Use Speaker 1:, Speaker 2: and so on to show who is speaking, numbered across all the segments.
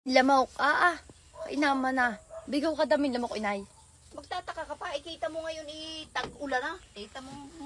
Speaker 1: Lamok, kainama na. Bigaw ka damin lamok, inay.
Speaker 2: Magtataka ka pa, kita mo ngayon tag-ulan na. Kita mo,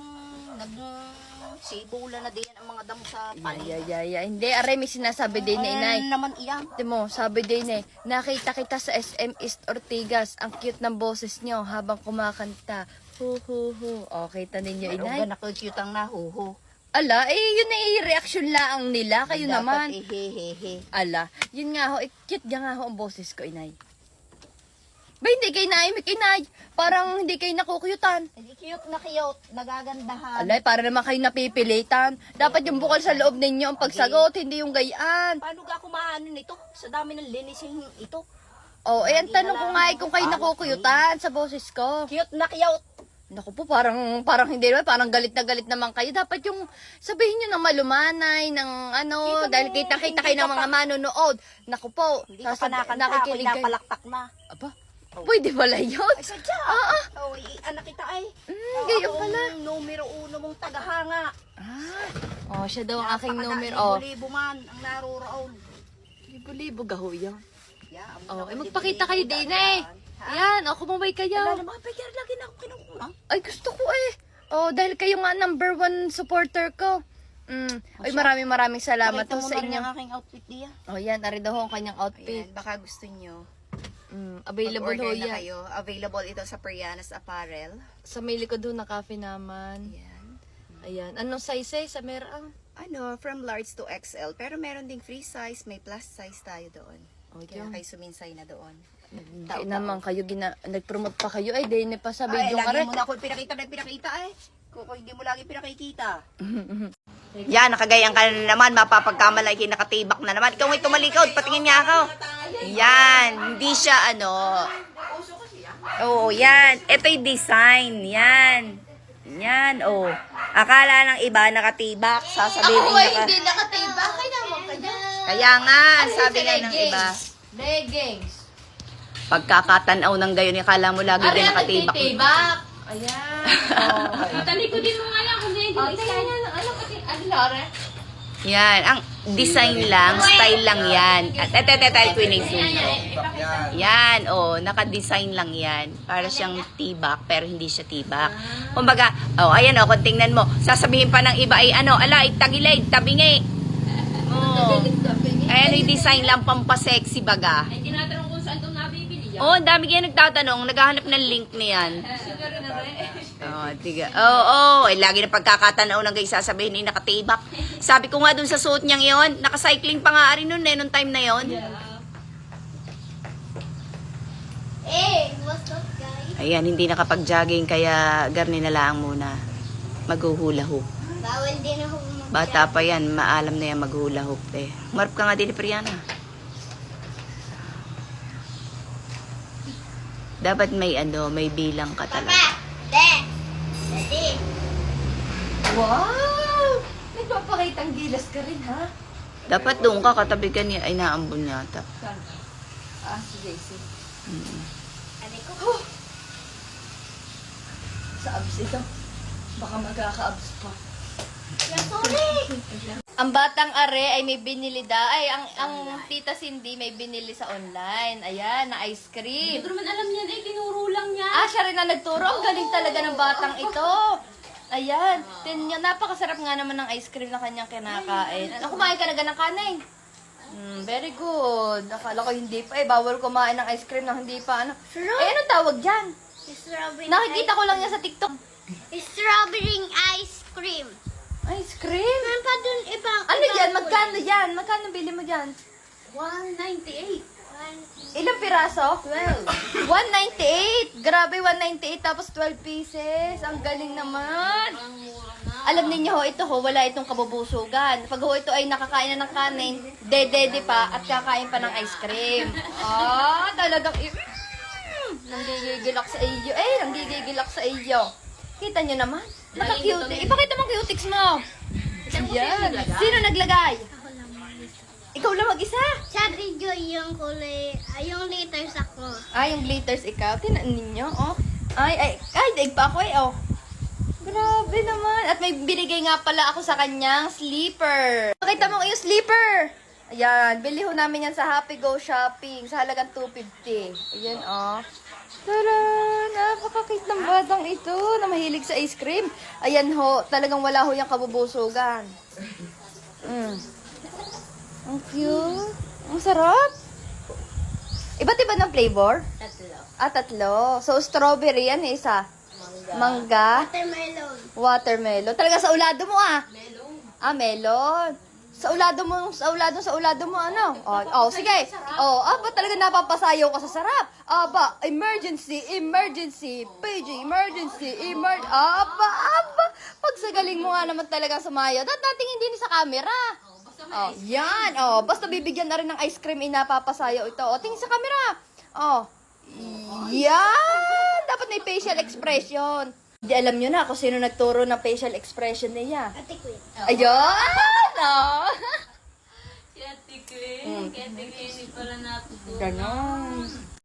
Speaker 2: nag-sibulan na din ang mga damo sa panig.
Speaker 1: Hindi, aray, may sinasabi din na inay.
Speaker 2: Naman iyan.
Speaker 1: Ito mo, sabi din nakita kita sa SM East Ortigas. Ang cute ng boses nyo habang kumakanta. Hu hu hu. O, kita ninyo, inay.
Speaker 2: Pero cute ang nahuho.
Speaker 1: Ala, yun na reaction lang nila. Kayo naman.
Speaker 2: Hehehe.
Speaker 1: Ala, yun nga ho, cute nga ho ang boses ko, inay. Ba, hindi kayo naimik, inay. Parang hindi kayo nakukuyutan.
Speaker 2: Hindi cute na cute, nagagandahan.
Speaker 1: Alay, para naman kayo napipilitan. Dapat yung bukal sa loob ninyo ang pagsagot, hindi yung gayaan.
Speaker 2: Paano ka kumaano nito? Sa dami ng linising ito.
Speaker 1: Oh, ang tanong ko nga kung kayo nakukuyutan sa boses ko.
Speaker 2: Cute na cute.
Speaker 1: Naku po, parang hindi naman, parang galit na galit naman kayo. Dapat yung sabihin nyo ng malumanay, ng ano, dahil kita-kita kayo ng mga manonood. Naku po,
Speaker 2: Hindi ka pa nakanta, ako'y napalakpak na.
Speaker 1: Aba, pwede pala yun.
Speaker 2: Ay, sadya. Oh, anak kita ay.
Speaker 1: Gayon pala.
Speaker 2: Ang numero uno mong tagahanga.
Speaker 1: Oh, siya daw ang aking numero. Oh,
Speaker 2: Libo-libo man ang naroroon.
Speaker 1: libo-libo gaho yan.
Speaker 2: Yeah,
Speaker 1: Oh, magpakita kayo din Yan, kumabay kayo.
Speaker 2: Wala na mga pagkar lagi na ako kinukuha.
Speaker 1: Ay, gusto ko Oh, dahil kayo nga number 1 supporter ko. Ay, maraming salamat
Speaker 2: Pakita mo
Speaker 1: sa
Speaker 2: na rin
Speaker 1: inyo.
Speaker 2: ang aking outfit diya.
Speaker 1: Oh, yan, ari daw ang kanyang outfit.
Speaker 3: Ayan, baka gusto nyo.
Speaker 1: Available ho
Speaker 3: Mag-order na
Speaker 1: yan.
Speaker 3: kayo. Available ito sa Perianas Apparel.
Speaker 1: Sa may likod ho na cafe naman.
Speaker 3: Ayan.
Speaker 1: Ayan. Anong size sa merang?
Speaker 3: Ano, from large to XL. Pero meron ding free size, may plus size tayo doon. Kaya kayo suminsay na doon.
Speaker 1: Hindi naman kayo, nag-promote pa kayo. Ay, di pa sa
Speaker 2: Ay,
Speaker 1: video ka
Speaker 2: lagi
Speaker 1: rin.
Speaker 2: mo na ako pinakita eh. Kung hindi mo lagi pinakikita.
Speaker 3: Yan, nakagayan ka na naman. Mapapagkamalaki, nakatibak na naman. Ikaw may tumalikod, patingin niya ako. Yan, hindi siya Oo, yan. Ito yung design. Yan. Yan, Akala ng iba nakatibak. Sasabihin
Speaker 1: hindi nakatiba. Kaya naman kayo.
Speaker 3: Kaya nga, sabi nga ng iba.
Speaker 1: Leggings.
Speaker 3: Pagkakatanaw ng gayon, akala mo lagi din nakatibak.
Speaker 1: Titibak. Ayan.
Speaker 4: Talikodin mo nga lang kung hindi mo isa.
Speaker 1: Lore?
Speaker 3: Yan, ang design lang, style lang yan. At twinning zoom. Yan, naka-design lang yan. Para siyang tibak, pero hindi siya tibak. Kumbaga, ayan kung tingnan mo, sasabihin pa ng iba ay tagilid, tabingi. Ayan, yung design lang, pampasexy baga.
Speaker 4: Ay, tinatanong kung saan itong nabibili yan.
Speaker 3: Ang dami kaya nagtatanong, naghahanap ng link niyan.
Speaker 4: Siguro na rin.
Speaker 3: Tiga. Lagi na pagkakatanaw ng guys sasabihin ni nakatibak. Sabi ko nga dun sa suot niyang yon, naka-cycling pa nga rin nun nung time na yon.
Speaker 5: What's up, guys?
Speaker 3: Ayan, hindi nakapag-jogging kaya garni na lang muna. Maghuhula hoop.
Speaker 5: Bawal din ako
Speaker 3: Bata pa yan, maalam na yan maghula hoop Marap ka nga din ni Priana. Dapat may may bilang ka talaga.
Speaker 5: Daddy.
Speaker 1: Wow! Nagpapakitang gilas ka rin, ha?
Speaker 3: Dapat doon ka, katabi ka niya. Ay, naambon yata.
Speaker 1: Si JC.
Speaker 5: Sabi ko,
Speaker 1: Sa abs ito. Baka magkaka-abs pa.
Speaker 5: sorry.
Speaker 1: Ang batang are ay may binili ang tita Cindy may binili sa online. Ayan, na ice cream.
Speaker 4: Hindi ko naman alam yan. Tinuro lang niya.
Speaker 1: Siya rin na nagturo. Ang galing talaga ng batang ito. Ayan. Napakasarap nga naman ng ice cream na kanyang kinakain. Kumain ka na ng kanin? Very good. Akala ko hindi pa. Bawal kumain ng ice cream na hindi pa. Anong tawag dyan?
Speaker 5: Strawberry
Speaker 1: Nakikita ko lang yan sa TikTok.
Speaker 5: Strawberry ice cream.
Speaker 1: Ice cream?
Speaker 5: Meron pa dun ibang...
Speaker 1: Ano yan? Magkano yan? Magkano bili mo dyan?
Speaker 4: 198.
Speaker 1: Ilang piraso? 12. 198. Grabe, 198 tapos 12 pieces. Ang galing naman. Alam ninyo ito wala itong kabubusugan. Pag ito ay nakakain na ng kanin, dedede pa at kakain pa ng ice cream. Talagang nanggigigilak sa iyo. Nanggigigilak sa iyo. Kita nyo naman. Naka-cute. Ipakita mo cutics mo. Yan. Sino naglagay? Ikaw lang mag-isa?
Speaker 5: Sa video yung kulay, yung liters ako.
Speaker 1: Yung glitters ikaw. Tinan ninyo, Ay, daig pa ako Grabe naman. At may binigay nga pala ako sa kanyang sleeper. Pakita mo yung sleeper. Ayan, bili ho namin yan sa Happy Go Shopping sa halagang 250. Ayan, oh. Tara! Napaka-cute ng batang ito na mahilig sa ice cream. Ayan ho, talagang wala ho yung kabubusugan. Ang cute. Ang sarap. Iba't iba ng flavor? Tatlo. So, strawberry yan, isa. Mangga.
Speaker 5: Watermelon.
Speaker 1: Watermelon. Talaga sa ulado mo, ah. Melon. Sa ulado mo, ano? Sige. Aba, talaga napapasayaw ka sa sarap. Aba, emergency, PG, aba. Pag sa galing mo nga naman talaga sumayaw. Dating hindi ni sa camera. Yan. Basta bibigyan na rin ng ice cream, inapapasayaw ito. Tingin sa camera. Yan. Dapat may facial expression. Hindi alam nyo na kung sino nagturo ng facial expression niya.
Speaker 5: Ate Queen.
Speaker 1: Ayun!
Speaker 4: Si Ate Queen. Kaya Ate Queen, hindi pala natutunan.
Speaker 1: Ganon.